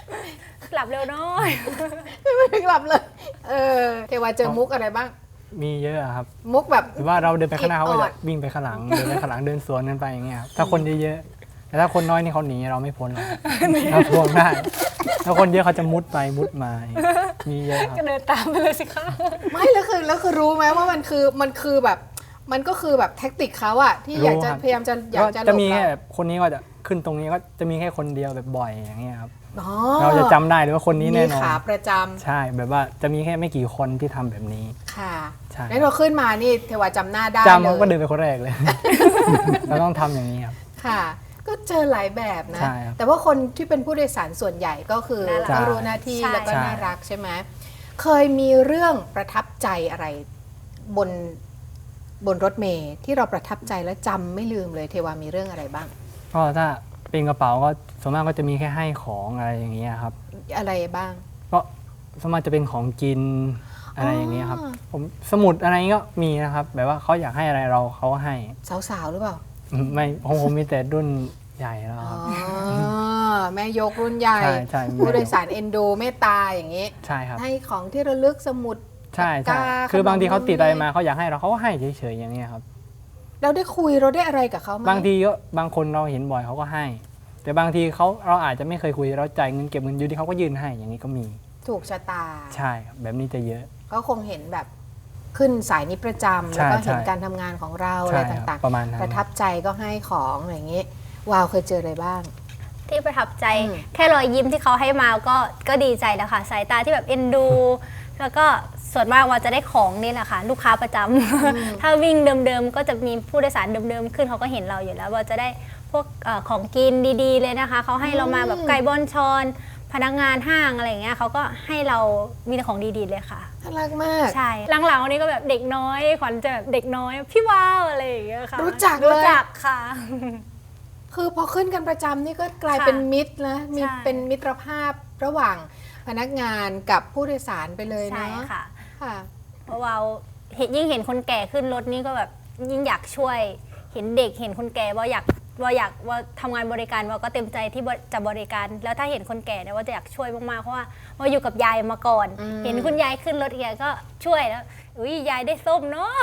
[SPEAKER 5] หลับเร็วน้อย
[SPEAKER 2] ไม่ได้กลับเลยเออเทวาเจอมุกอะไรบ้าง
[SPEAKER 6] มีเยอะครับ
[SPEAKER 2] มุกแบบ
[SPEAKER 6] หรือว่าเราเดินไปข้างหน้าเขาก็
[SPEAKER 2] อิดออ
[SPEAKER 6] จะ
[SPEAKER 2] ด
[SPEAKER 6] วิ่งไปข้างหลัง เดินไปข้างหลังเดินสวนกันไปอย่างเงี้ยครับถ้าคนเยอะๆแต่ถ้าคนน้อยนี่เขาหนีเราไม่พ้นหรอกเราทวงได้ถ้าคนเยอะเขาจะมุดไปมุดมามีเยอะครับ
[SPEAKER 5] ก็เดินตามไปเลยสิคะ
[SPEAKER 2] ไม่แล้วคือแล้วคือรู้ไหมว่ามันคือมันคือแบบมันก็คือแบบแท็กติกเขาอะที่อยากจะ
[SPEAKER 6] รู้ครับ
[SPEAKER 2] พยายามจะอยากจะหล
[SPEAKER 6] จะ
[SPEAKER 2] บ
[SPEAKER 6] มี
[SPEAKER 2] เรา
[SPEAKER 6] แค่แบบคนนี้ก็จะขึ้นตรงนี้ก็จะมีแค่คนเดียวแบบบ่อยอย่างเงี้ยครับ
[SPEAKER 2] อ๋อ
[SPEAKER 6] เราจะจำได้เลยว่าคนนี้แน่นอ
[SPEAKER 2] มีขาน ประจำ
[SPEAKER 6] ใช่แบบว่าจะมีแค่ไม่กี่คนที่ทำแบบนี้
[SPEAKER 2] ค่ะ
[SPEAKER 6] ใช่
[SPEAKER 2] แล้วเราขึ้นมานี่เทวาจำหน้าได้
[SPEAKER 6] จำ
[SPEAKER 2] เล
[SPEAKER 6] เขาก็เดิ
[SPEAKER 2] ย
[SPEAKER 6] นไปคนแรกเลย เราต้องทำอย่างนี้ครับ
[SPEAKER 2] ค่ะ ก็เจอหลายแบบนะ
[SPEAKER 6] ใช่ครับ
[SPEAKER 2] แต่ว่าคนที่เป็นผู้โดยสารส่วนใหญ่ก็คือ
[SPEAKER 5] น่ารัก
[SPEAKER 2] ก็รู้หน้าที่
[SPEAKER 5] ใช่
[SPEAKER 2] แล้วก็
[SPEAKER 6] ใช่
[SPEAKER 2] น่ารักใช่ไหมเคยมีเรื่องประทับใจอะไรบนบนรถเมล์ที่เราประทับใจและจำไม่ลืมเลยเทวามีเรื่องอะไรบ้าง
[SPEAKER 6] ก็ถ้าเป็นกระเป๋าก็ส่วนมากก็จะมีแค่ให้ของอะไรอย่างเงี้ยครับ
[SPEAKER 2] อะไรบ้าง
[SPEAKER 6] ก็ส่วนมากจะเป็นของกินอะไรอย่างเงี้ยครับ
[SPEAKER 2] อ๋อ
[SPEAKER 6] ผมสมุดอะไรก็มีนะครับ แบบว่าเขาอยากให้อะไรเราเขาก็ให้
[SPEAKER 2] สาวๆหรือเปล่า
[SPEAKER 6] อืมไม่ของผมมีแต่รุ่นใหญ่แล้ว
[SPEAKER 2] อ๋
[SPEAKER 6] ครับ
[SPEAKER 2] อแม่ยกรุ่นใหญ่
[SPEAKER 6] ใช่ใช่มี
[SPEAKER 2] ผู้โดยสารเอ็นดูเมตตาอย่างนี้
[SPEAKER 6] ใช่ครับ
[SPEAKER 2] ให้ของที่ระลึกสมุด
[SPEAKER 6] ใช่ใช่
[SPEAKER 2] ปากกา
[SPEAKER 6] คือบางทีเขาติดอะไร
[SPEAKER 2] ขนม
[SPEAKER 6] มาเขาอยากให้เราเขาก็ให้เฉยๆอย่างเงี้ยครับ
[SPEAKER 2] เราได้คุยเราได้อะไรกับเขาไหม
[SPEAKER 6] บางทีก็บางคนเราเห็นบ่อยเขาก็ให้ แต่บางทีเขาเราอาจจะไม่เคยคุยเราจ่ายเงินเก็บเงินอยู่ที่เขาก็ยื่นให้อย่างนี้ก็มี
[SPEAKER 2] ถูกชะตา
[SPEAKER 6] ใช่ครับแบบนี้จะเยอะ
[SPEAKER 2] ก็คงเห็นแบบขึ้นสายนี้ประจำ
[SPEAKER 6] ใช่
[SPEAKER 2] แล้วก็เห็น
[SPEAKER 6] ใช่
[SPEAKER 2] การทำงานของเรา
[SPEAKER 6] ใช่
[SPEAKER 2] อะไร
[SPEAKER 6] ครับ
[SPEAKER 2] ต่าง
[SPEAKER 6] ประมาณนั้น
[SPEAKER 2] ประทับใจก็ให้ของอะไรอย่างนี้ วาวเคยเจออะไรบ้าง
[SPEAKER 5] ที่ประทับใจ
[SPEAKER 2] อืม
[SPEAKER 5] แค่รอยยิ้มที่เขาให้มาก็ก็ดีใจแล้วค่ะสายตาที่แบบเอ็นดู แล้วก็ส่วนมากว่าจะได้ของนี่แหละค่ะลูกค้าประจำ ถ้าวิ่งเดิมๆก็จะมีผู้โดยสารเดิมๆขึ้นเขาก็เห็นเราอยู่แล้วว่าจะได้พวกเออของกินดีๆเลยนะคะเขาให้เรามาแบบไก่บอนชอน พนักงานห้างอะไรอย่างเงี้ยเขาก็ให้เรามีแต่ของดีๆเลยค่ะ
[SPEAKER 2] น่ารักมาก
[SPEAKER 5] ใช่หลังๆวันนี้ก็แบบเด็กน้อยขวัญจะแบบเด็กน้อยพี่ว้าวอะไรอย่างเงี้ยค่ะ
[SPEAKER 2] รู้จักเลย
[SPEAKER 5] รู้จักค่ะ
[SPEAKER 2] คือพอขึ้นกันประจำนี่ก็กลาย
[SPEAKER 5] ค่ะ
[SPEAKER 2] เป็นมิตรนะมี
[SPEAKER 5] ใช่
[SPEAKER 2] เป็นมิตรภาพระหว่างพนักงานกับผู้โดยสารไปเลย
[SPEAKER 5] ใช่
[SPEAKER 2] เนาะ
[SPEAKER 5] ค่ะ
[SPEAKER 2] ค่ะ
[SPEAKER 5] เพราะว่าเห็นยิ่งเห็นคนแก่ขึ้นรถนี่ก็แบบยิ่งอยากช่วย เห็นเด็กเห็นคนแก่ว่าอยากว่าอยากว่าทำงานบริการว่าก็เต็มใจที่จะบริการ แล้วถ้าเห็นคนแก่เนี่ยว่าจะอยากช่วยมากๆเพราะว่าว่าอยู่กับยายมาก่อน
[SPEAKER 2] อืม
[SPEAKER 5] เห็นคุณยายขึ้นรถแกก็ช่วยแล้วอุ้ยยายได้ส้มเนาะ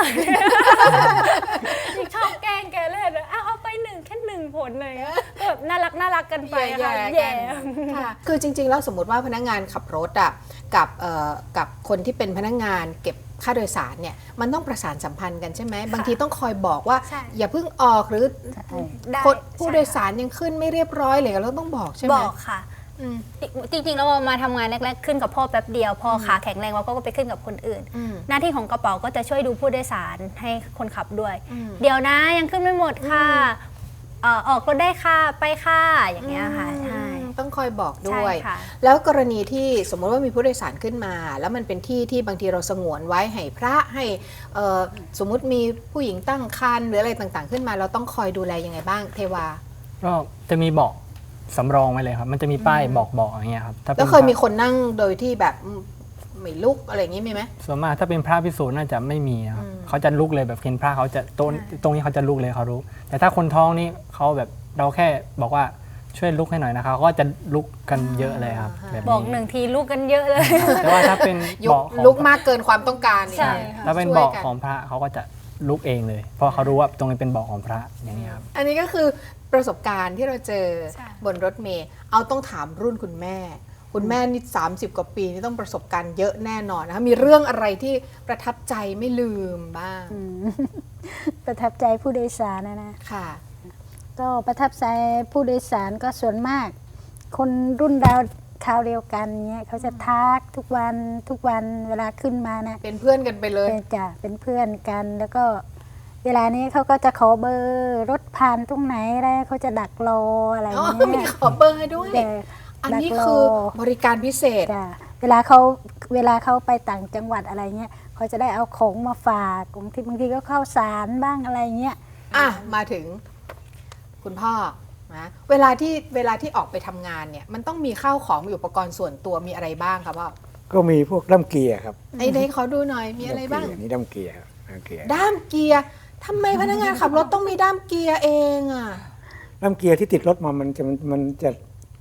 [SPEAKER 5] ชอบแกล้งแกเล่นอะอ้าวเอาไปหนึ่งแค่หนึ่งผลเลยก็แบบน่ารักน่ารักกันไป
[SPEAKER 2] แย่
[SPEAKER 5] ค่ะ
[SPEAKER 2] ๆ
[SPEAKER 5] แย่
[SPEAKER 2] กันค่ะคือจริงๆแล้วสมมติว่าพนักงานขับรถอ่ะกับเอ่อกับคนที่เป็นพนักงานเก็บค่าโดยสารเนี่ยมันต้องประสานสัมพันธ์กันใช่ไหมบางทีต้องคอยบอกว่า
[SPEAKER 5] ใช่
[SPEAKER 2] อย่าเพิ่งออกหรือ
[SPEAKER 5] ได้
[SPEAKER 2] คนผู้
[SPEAKER 5] ใช่
[SPEAKER 2] โดยสารยังขึ้นไม่เรียบร้อยเลยเราต้องบอกใช่ไหม
[SPEAKER 5] บอกค่ะ
[SPEAKER 2] อืม
[SPEAKER 5] จริงๆแล้วมาทำงานแรกๆขึ้นกับพ่อแป๊บเดียวพอขาแข็งแรงเราก็ไปขึ้นกับคนอื่น
[SPEAKER 2] อืม
[SPEAKER 5] หน้าที่ของกระเป๋าก็จะช่วยดูผู้โดยสารให้คนขับด้วย
[SPEAKER 2] อืม
[SPEAKER 5] เดี๋ยวนะยังขึ้นไม่หมดค่ะเอ่อออกรถได้ค่ะไปค่ะอย่างเงี้ยค่ะใช่
[SPEAKER 2] ต้องคอยบอกด้วย
[SPEAKER 5] ใช่ค่ะ
[SPEAKER 2] แล้วกรณีที่สมมติว่ามีผู้โดยสารขึ้นมา แล้วมันเป็นที่ที่บางทีเราสงวนไว้ให้พระให้เอ่อสมมุติมีผู้หญิงตั้งครรภ์หรืออะไรต่างๆ ขึ้นมา เราต้องคอยดูแลยังไงบ้างเทวา
[SPEAKER 6] ก็จะมีเบาะสำรองไว้เลยครับ มันจะมีป้ายบอกเบาะอย่างเงี้ยครับถ้าป็น
[SPEAKER 2] แล้วเคยมี
[SPEAKER 6] พระ
[SPEAKER 2] คนนั่งโดยที่แบบอืมไม่ลุกอะไรอย่างนี้มีไหม
[SPEAKER 6] ส่วนมากถ้าเป็นพระพิสูจน์น่าจะไม่มีนะครับ
[SPEAKER 2] อืม
[SPEAKER 6] เขาจะลุกเลยแบบเห็นพระเขาจะตรงตรงนี้เขาจะลุกเลยเขารู้ แต่ถ้าคนท้องนี่เขาแบบเราแค่บอกว่าช่วยลุกให้หน่อยนะคะเขาก็จะลุกกันเยอะเลยครับแบบ
[SPEAKER 5] บอกหนึ่งทีลูกกันเยอะเลย
[SPEAKER 6] แต่ว่าถ้าเป็น
[SPEAKER 2] ยุ
[SPEAKER 6] เบาะของ
[SPEAKER 2] ลุกมากเกินความต้องการนี่
[SPEAKER 5] ใช่
[SPEAKER 6] ถ้าเป็น
[SPEAKER 2] ช่วย
[SPEAKER 6] เบาะ
[SPEAKER 2] กัน
[SPEAKER 6] ของพระเขาก็จะลุกเองเลย เพราะเขารู้ว่าตรงนี้เป็นเบาะของพระอย่างนี้ครับ
[SPEAKER 2] อันนี้ก็คือประสบการณ์ที่เราเจอ
[SPEAKER 5] ใช่
[SPEAKER 2] บนรถเมล์เอาต้องถามรุ่นคุณแม่ คุณแม่นี่สามสิบกว่าปีนี่ต้องประสบการณ์เยอะแน่นอนนะคะมีเรื่องอะไรที่ประทับใจไม่ลืมบ้าง
[SPEAKER 4] อืม ประทับใจผู้โดยสารนะนะ
[SPEAKER 2] ค่ะ
[SPEAKER 4] ก็ประทับใจผู้โดยสารก็ส่วนมาก คนรุ่นดาวคราวเดียวกันเนี้ยเขาจะทักทุกวันทุกวันเวลาขึ้นมานะ
[SPEAKER 2] เป็นเพื่อนกันไปเลย
[SPEAKER 4] เป็นจ้ะเป็นเพื่อนกัน แล้วก็เวลานี้เขาก็จะขอเบอร์รถผ่านตรงไหนอะไรเขาจะดักรออะไร
[SPEAKER 2] อ๋อ
[SPEAKER 4] เงี้
[SPEAKER 2] มี
[SPEAKER 4] ย
[SPEAKER 2] ขอเบอร์ให้ด้วย
[SPEAKER 4] แต่
[SPEAKER 2] อัน
[SPEAKER 4] ดัก
[SPEAKER 2] นี้
[SPEAKER 4] ร
[SPEAKER 2] คือบริการพิเศษ
[SPEAKER 4] จ้ะเวลาเขาเวลาเขาไปต่างจังหวัดอะไรเงี้ยเขาจะได้เอาของมาฝากบางทีบางทีก็เข้าวสารบ้างอะไรเงี้ย
[SPEAKER 2] อ่ะ มาถึงคุณพ่อนะเวลาที่เวลาที่ออกไปทำงานเนี่ยมันต้องมีข้าวของมีอุปกรณ์ส่วนตัวมีอะไรบ้างครับพ่อ
[SPEAKER 3] ก็มีพวกด้ามเกียร์ครับ
[SPEAKER 2] ไอ้ไหนขอดูหน่อยมีอะไรบ้าง
[SPEAKER 3] ด้มเกียนี่ด้ามเกียร์ครับด้ามเกียร์
[SPEAKER 2] ด้ามเกียร์ทำไมพนักงานขับรถต้องมีด้ามเกียร์เองอ่ะ
[SPEAKER 3] ด้ามเกียร์ที่ติดรถมามันจะมันมันจะ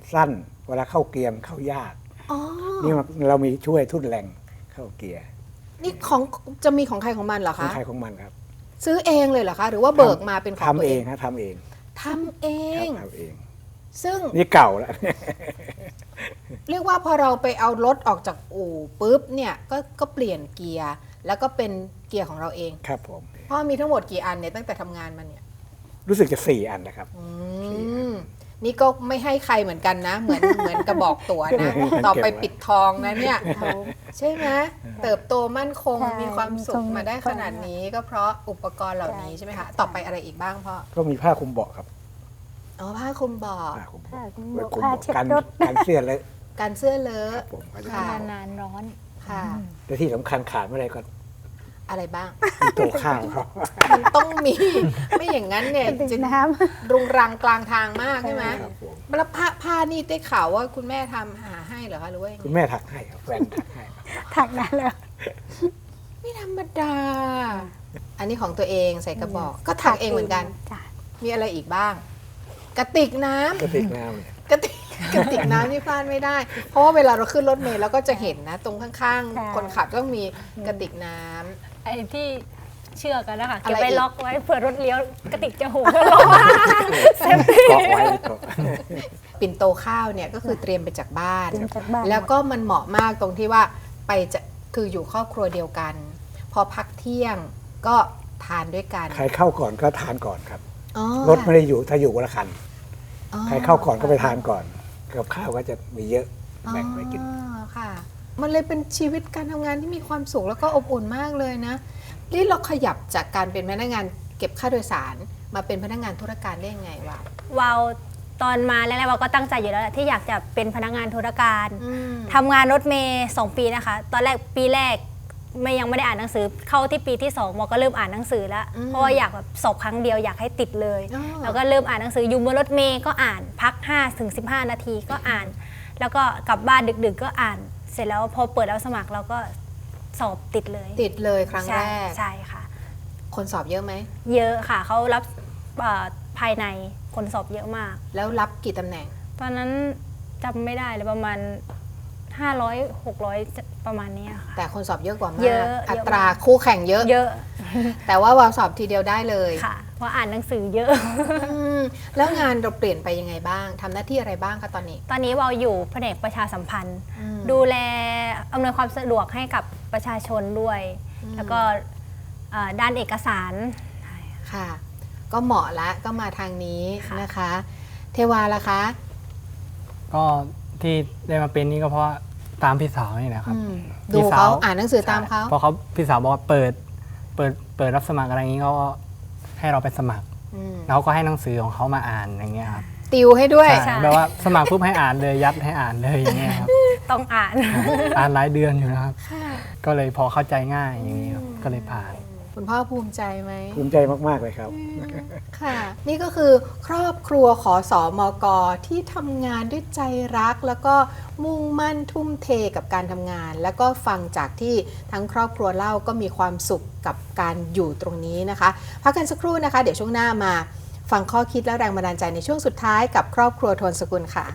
[SPEAKER 3] สั้น เวลาเข้าเกียร์มันเข้ายาก
[SPEAKER 2] อ๋อ
[SPEAKER 3] นี่มันเรามีช่วยทุ่นแรงเข้าเกียร์
[SPEAKER 2] นี่ของจะมีของใครของมันเหรอ
[SPEAKER 3] ของ
[SPEAKER 2] คะ
[SPEAKER 3] ใครของมันครับ
[SPEAKER 2] ซื้อเองเลยเหรอคะ หรือว่าเบิกมาเป็นของ
[SPEAKER 3] ทำ
[SPEAKER 2] ตัว
[SPEAKER 3] เอ
[SPEAKER 2] เอง ง
[SPEAKER 3] ฮะทำเอง
[SPEAKER 2] ทำเอ
[SPEAKER 3] ครั
[SPEAKER 2] ง
[SPEAKER 3] บทำเอง
[SPEAKER 2] ซึ่ง
[SPEAKER 3] นี่เก่าแล้ว
[SPEAKER 2] เรียกว่าพอเราไปเอารถออกจากอู่ปุ๊บเนี่ยก็ก็เปลี่ยนเกียร์แล้วก็เป็นเกียร์ของเราเอง
[SPEAKER 3] ครับผม
[SPEAKER 2] พ่อมีทั้งหมดกี่อันเนี่ยตั้งแต่ทำงานมาเนี่ย
[SPEAKER 3] รู้สึกจะสี่อันนะครับ
[SPEAKER 2] อืมนี่ก็ไม่ให้ใครเหมือนกันนะ เหมือน เหมือนกระบอกตัวนะ ต่อไปปิดทองนะเนี่ย ใช่ไหมเติบโตมั่นคง
[SPEAKER 4] ใช่
[SPEAKER 2] มีความสุข
[SPEAKER 4] มีความ
[SPEAKER 2] มาได้ขนาดนี้ก็เพราะอุปกรณ์เหล่านี้
[SPEAKER 4] ใช่
[SPEAKER 2] ใช่ไหมคะ
[SPEAKER 4] ใช่
[SPEAKER 2] ต่อไปอะไรอีกบ้างพ่อ
[SPEAKER 3] ก็มีผ้าคลุมเบาะครับ
[SPEAKER 2] อ๋อผ้าคลุมเบาะ
[SPEAKER 3] ผ้าคลุม
[SPEAKER 4] ผ้า
[SPEAKER 3] เบาะ
[SPEAKER 4] คลุม
[SPEAKER 3] ไว้
[SPEAKER 4] เบาะ
[SPEAKER 3] คลุม
[SPEAKER 4] ผ้า
[SPEAKER 3] เบาะ
[SPEAKER 4] เช็ด
[SPEAKER 3] กัน
[SPEAKER 4] รถ
[SPEAKER 3] กันเสื้อเลย
[SPEAKER 2] การเสื้อเล
[SPEAKER 3] ค
[SPEAKER 2] อะ
[SPEAKER 3] รับผมก็จะ
[SPEAKER 2] ค่ะ
[SPEAKER 5] นานๆร้อน
[SPEAKER 2] ค่ะ
[SPEAKER 3] แต่ที่สำคัญขาดไม่ได้ก็
[SPEAKER 2] อะไรบ้าง
[SPEAKER 3] มีโต๊ะข้าวครับ
[SPEAKER 2] มันต้องมี ไม่อย่างนั้นเนี่ย
[SPEAKER 4] กระติก
[SPEAKER 2] จะ
[SPEAKER 4] น้
[SPEAKER 2] รุงรังกลางทางมากใช่ไหม
[SPEAKER 3] ครับผม
[SPEAKER 2] แล้วผ้าผ้านี่ได้ข่าวว่าคุณแม่ทำหาให้เหรอคะหรือว่ายังไง
[SPEAKER 3] คุณแม่ถักให้ครับแฟนถักให้ครับ
[SPEAKER 4] ำถักนั้นแล้ว
[SPEAKER 2] ไม่ธรรมดา อันนี้ของตัวเองใส่กระบอก ก็ถักเองเหมือนกัน
[SPEAKER 4] จ้ะ
[SPEAKER 2] มีอะไรอีกบ้าง กระติกน้ำ
[SPEAKER 3] กระติกน้ำเนี่ย
[SPEAKER 2] กระติกกระติกน้ำนี่พลาดไม่ได้ เพราะว่าเวลาเราขึ้นรถเมล์เราก็จะเห็นนะ ตรงข้างๆ คนขับต้องมีกระติกน้ำ
[SPEAKER 5] ไอ้ที่เชือกกันนะคะ
[SPEAKER 2] อะไร
[SPEAKER 5] เก็บไว้
[SPEAKER 2] อีก
[SPEAKER 5] ล็อกไว้เผื่อรถเลี้ยวกระติกจะโหกแล้วล็อกเซฟตี้
[SPEAKER 3] เกาะไว้เกาะ
[SPEAKER 2] ปิ่นโตข้าวเนี่ยก็คือเตรียมไปจากบ้าน
[SPEAKER 4] เตรียมจากบ้าน
[SPEAKER 2] แล้วก็มันเหมาะมากตรงที่ว่าไปจะคืออยู่ครอบครัวเดียวกัน พอพักเที่ยงก็ทานด้วยกัน
[SPEAKER 3] ใครเข้าก่อนก็ทานก่อนครับ
[SPEAKER 2] อ๋อ
[SPEAKER 3] รถไม่ได้อยู่ถ้าอยู่คนละคัน
[SPEAKER 2] อ๋อ
[SPEAKER 3] ใครเข้าก่อนก็ไปทานก่อนกับข้าวก็จะมีเยอะแบ่งไปกิน
[SPEAKER 2] อ๋อค่ะ มันเลยเป็นชีวิตการทำงานที่มีความสุขแล้วก็อบอุ่นมากเลยนะนี่เราขยับจากการเป็นพนักงานเก็บค่าโดยสารมาเป็นพนักงานธุรการได้ยังไงวะ
[SPEAKER 5] วาวตอนมาแรกๆวาวก็ตั้งใจอยู่แล้วแหละที่อยากจะเป็นพนักงานธุรการ
[SPEAKER 2] อืม
[SPEAKER 5] ทำงานรถเมย์สองปีนะคะ ตอนแรกปีแรกไม่ยังไม่ได้อ่านหนังสือ เข้าที่ปีที่สองมอก็เริ่มอ่านหนังสือแล้ว เพราะว่าอยากแบบสอบครั้งเดียวอยากให้ติดเลย
[SPEAKER 2] อ๋อ
[SPEAKER 5] แล้วก็เริ่มอ่านหนังสืออยู่บนรถเมย์ก็อ่านพักห้าถึงสิบห้านาทีก็อ่าน แล้วก็กลับบ้านดึกๆก็อ่าน เสร็จแล้วพอเปิดแล้วสมัครเราก็สอบติดเลย
[SPEAKER 2] ติดเลยครั้งแร
[SPEAKER 5] ใช่
[SPEAKER 2] ก
[SPEAKER 5] ใช่ค่ะ
[SPEAKER 2] คนสอบเยอะไหม
[SPEAKER 5] เยอะค่ะเขารับเอ่อภายในคนสอบเยอะมาก
[SPEAKER 2] แล้วรับกี่ตำแหน่ง
[SPEAKER 5] ตอนนั้นจำไม่ได้เลยประมาณ ห้าร้อย หกร้อย ประมาณเนี้ยค่ะ
[SPEAKER 2] แต่คนสอบเยอะกว่ามาก
[SPEAKER 5] เยอะ
[SPEAKER 2] อั
[SPEAKER 5] เยอะ
[SPEAKER 2] ตรา
[SPEAKER 5] มาก
[SPEAKER 2] คู่แข่งเยอะ
[SPEAKER 5] เยอะ
[SPEAKER 2] แต่ว่าวาวสอบทีเดียวได้เลย
[SPEAKER 5] ค่ะ เพราะอ่านหนังสือเยอะ
[SPEAKER 2] อืมแล้วงานเราเปลี่ยนไปยังไงบ้างทำหน้าที่อะไรบ้างคะตอนนี้
[SPEAKER 5] ตอนนี้เราอยู่แผนกประชาสัมพันธ์
[SPEAKER 2] อืม
[SPEAKER 5] ดูแลอำนวยความสะดวกให้กับประชาชนด้วย แล้วก็เอ่อด้านเอกสาร
[SPEAKER 2] ค่ะ ก็เหมาะละก็มาทางนี้
[SPEAKER 5] ค่ะ
[SPEAKER 2] นะคะ เทวาล่ะคะ
[SPEAKER 6] ก็ที่ได้มาเป็นนี่ก็เพราะตามพี่สาวนี่แหละครับ
[SPEAKER 2] อืมดู
[SPEAKER 6] พี่ส
[SPEAKER 2] เขา
[SPEAKER 6] ว
[SPEAKER 2] อ่านหนังสือตามเขา
[SPEAKER 6] เพราะเขาพี่สาวบอกว่าเปิดเปิดเปิดรับสมัครอะไรอย่างนี้เขาก็ให้เราไปสมัคร
[SPEAKER 2] อืม
[SPEAKER 6] แล้วเขาก็ให้หนังสือของเขามาอ่านอย่างเงี้ยครับ
[SPEAKER 2] ติวให้ด้วย
[SPEAKER 6] ใช่แบบว่าสมัครปุ๊บให้อ่านเลยยัดให้อ่านเลยอย่างเงี้ยครับ
[SPEAKER 5] ต้องอ่าน
[SPEAKER 6] อ่านหลายเดือนอยู่นะครับ
[SPEAKER 2] ค่ะ
[SPEAKER 6] ก็เลยพอเข้าใจง่ายอย่างนี้ครับก็เลยผ่าน
[SPEAKER 2] คุณพ่อภูมิใจไหม
[SPEAKER 3] ภูมิใจมาก ๆ เลยครับ
[SPEAKER 2] ค่ะ นี่ก็คือครอบครัวขอสอมกที่ทำงานด้วยใจรัก แล้วก็มุ่งมั่นทุ่มเทกับการทำงาน แล้วก็ฟังจากที่ทั้งครอบครัวเล่าก็มีความสุขกับการอยู่ตรงนี้นะคะ พักกันสักครู่นะคะ เดี๋ยวช่วงหน้ามาฟังข้อคิดและแรงบันดาลใจในช่วงสุดท้ายกับครอบครัวโทนสกุลค่ะ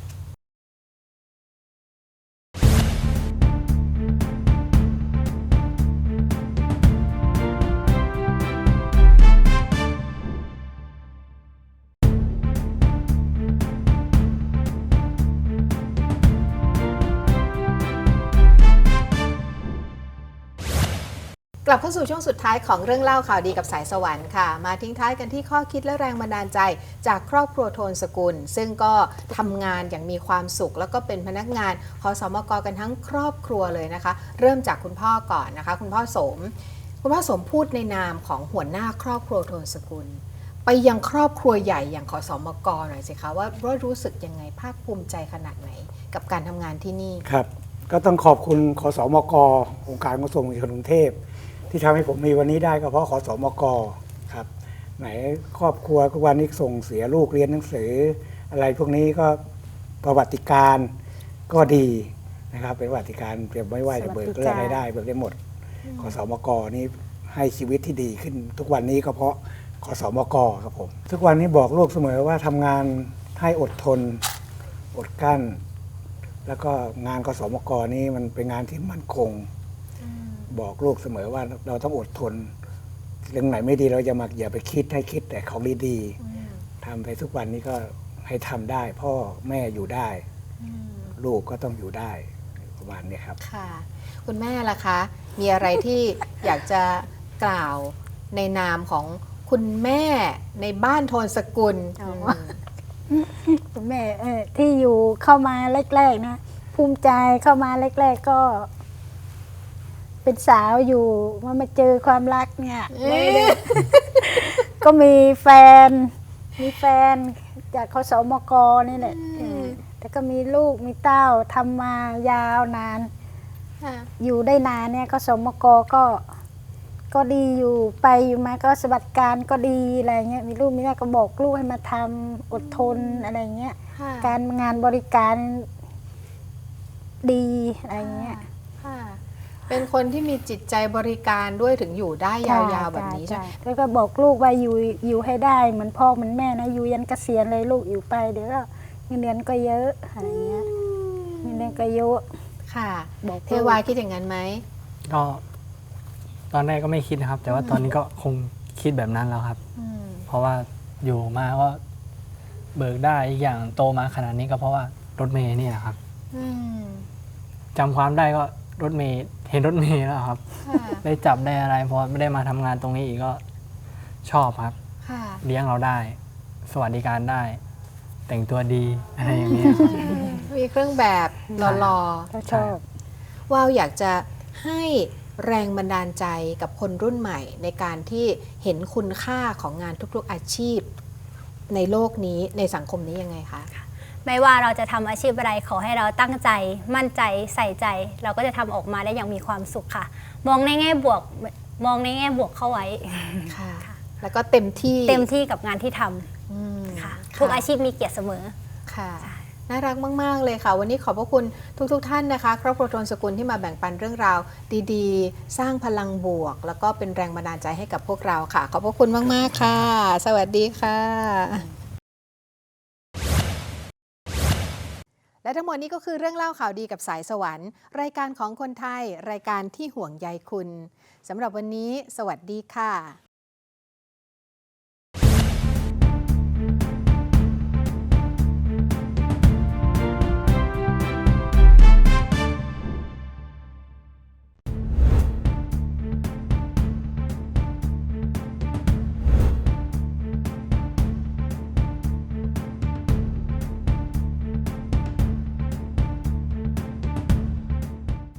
[SPEAKER 2] กลับเข้าสู่ช่วงสุดท้ายของเรื่องเล่าข่าวดีกับสายสวรรค์ค่ะ มาทิ้งท้ายกันที่ข้อคิดและแรงบันดาลใจ จากครอบครัวโทนสกุล ซึ่งก็ทำงานอย่างมีความสุข แล้วก็เป็นพนักงานขอสมกกันทั้งครอบครัวเลยนะคะ เริ่มจากคุณพ่อก่อนนะคะ คุณพ่อสม คุณพ่อสมพูดในนามของหัวหน้าครอบครัวโทนสกุล ไปยังครอบครัวใหญ่อย่างขอสมกหน่อยสิคะว่าว่ารู้สึกยังไงภาคภูมิใจขนาดไหนกับการทำงานที่นี่
[SPEAKER 3] ครับ ก็ต้องขอบคุณขสมกองค์การขนส่งมวลชนกรุงเทพที่ทำให้ผมมีวันนี้ได้ก็เพราะขสมกครับ ไหนครอบครัวทุกวันนี้ส่งเสียลูกเรียนหนังสือ อะไรพวกนี้ก็ประวัติการก็ดีนะครับ เป็นประวัติการเปรียบไม่ว่าจะเบิกเรื่องอะไรได้เบิกได้หมดขสมกนี่ให้ชีวิตที่ดีขึ้น ทุกวันนี้ก็เพราะขสมกครับผมทุกวันนี้บอกลูกเสมอว่าทำงานให้อดทนอดกลั้น แล้วก็งานกสมกนี้มันเป็นงานที่มั่นคง บอกลูกเสมอว่าเราต้องอดทน เรื่องไหนไม่ดีเราจะมาอย่าไปคิดให้คิดแต่ของดีๆทำไปทุกวันนี้ก็ให้ทำได้ พ่อแม่อยู่ได้ ลูกก็ต้องอยู่ได้ประมาณนี้ครับ
[SPEAKER 2] ค่ะ คุณแม่ล่ะคะ มีอะไรที่ อยากจะกล่าวในนามของคุณแม่ในบ้านโทนสกุล
[SPEAKER 4] อ๋อ
[SPEAKER 2] อืม
[SPEAKER 4] คุณแม่เออที่อยู่เข้ามาแรกๆนะภูมิใจเข้ามาแรกๆก็ เป็นสาวอยู่มามาเจอความรักเนี่ย
[SPEAKER 2] เอ๊ะ
[SPEAKER 4] ก็มีแฟน มีแฟนจากคสมกนี่แหละเออแต่ก็มีลูกมีเต้าทำมายาวนาน
[SPEAKER 2] ค่ะ
[SPEAKER 4] อยู่ได้นานเนี่ยคสมกก็ ก็ดีอยู่ไปอยู่มาก็สวัสดิการก็ดีอะไรเงี้ยมีลูกมีแม่ก็บอกลูกให้มาทำอดทนอะไรเงี้ย
[SPEAKER 2] ค่ะ
[SPEAKER 4] การงานบริการดีอะไรเงี้ย
[SPEAKER 2] ค่ะ เป็นคนที่มีจิตใจบริการด้วยถึงอยู่ได้ยาวๆแบบนี้ใช่ไหม
[SPEAKER 4] แล้วก็บอกลูกว่าอยู่อยู่ให้ได้เหมือนพ่อเหมือนแม่นะอยู่ยันเกษียณเลยลูกอยู่ไปเดี๋ยวก็เงินเดือนก็เยอะอะไรเงี้ยเงินเดือนก็เยอะ
[SPEAKER 2] ค่ะ
[SPEAKER 4] บอก
[SPEAKER 2] เทวาคิดอย่างนั้นไหม
[SPEAKER 6] ก็ตอนแรกก็ไม่คิดนะครับ แต่ว่าตอนนี้ก็คงคิดแบบนั้นแล้วครับ
[SPEAKER 2] อืม
[SPEAKER 6] เพราะว่าอยู่มาก็เบิกได้อีกอย่างโตมาขนาดนี้ก็เพราะว่ารถเมย์นี่แหละครับ
[SPEAKER 2] อืม
[SPEAKER 6] จำความได้ก็รถเมย์เห็นรถเมย์แล้วครับ
[SPEAKER 2] ค่ะ
[SPEAKER 6] ได้จับได้อะไรพอไม่ได้มาทำงานตรงนี้อีกก็ชอบครับ
[SPEAKER 2] ค่ะ
[SPEAKER 6] เลี้ยงเราได้ สวัสดิการได้ แต่งตัวดีอะไรอย่างเงี้ยครับ
[SPEAKER 2] มีเครื่องแบบหล่อ
[SPEAKER 4] ก็ชอบ
[SPEAKER 2] ๆว่าวอยากจะให้แรงบันดาลใจกับคนรุ่นใหม่ ในการที่เห็นคุณค่าของงานทุกๆอาชีพ ในโลกนี้ในสังคมนี้ยังไงคะ
[SPEAKER 5] ไม่ว่าเราจะทำอาชีพอะไรขอให้เราตั้งใจ มั่นใจใส่ใจ เราก็จะทำออกมาได้อย่างมีความสุขค่ะ มองในแง่บวก มองในแง่บวกเข้าไว้
[SPEAKER 2] ค่ะ แล้วก็เต็มที่
[SPEAKER 5] เต็มที่กับงานที่ทำ
[SPEAKER 2] อืม
[SPEAKER 5] ค่ะ
[SPEAKER 2] ค่ะ
[SPEAKER 5] ทุกอาชีพมีเกียรติเสมอ
[SPEAKER 2] ค่ะ น่ารักมาก ๆ เลยค่ะ วันนี้ขอบพระคุณทุกๆทท่านนะคะ ครอบครัวโทนสกุลที่มาแบ่งปันเรื่องราวดีๆ สร้างพลังบวก แล้วก็เป็นแรงบันดาลใจให้กับพวกเราค่ะ ขอบพระคุณมาก ๆ ค่ะ สวัสดีค่ะ และทั้งหมดนี้ก็คือเรื่องเล่าข่าวดีกับสายสวรรค์ รายการของคนไทย รายการที่ห่วงใยคุณสำหรับวันนี้ สวัสดีค่ะ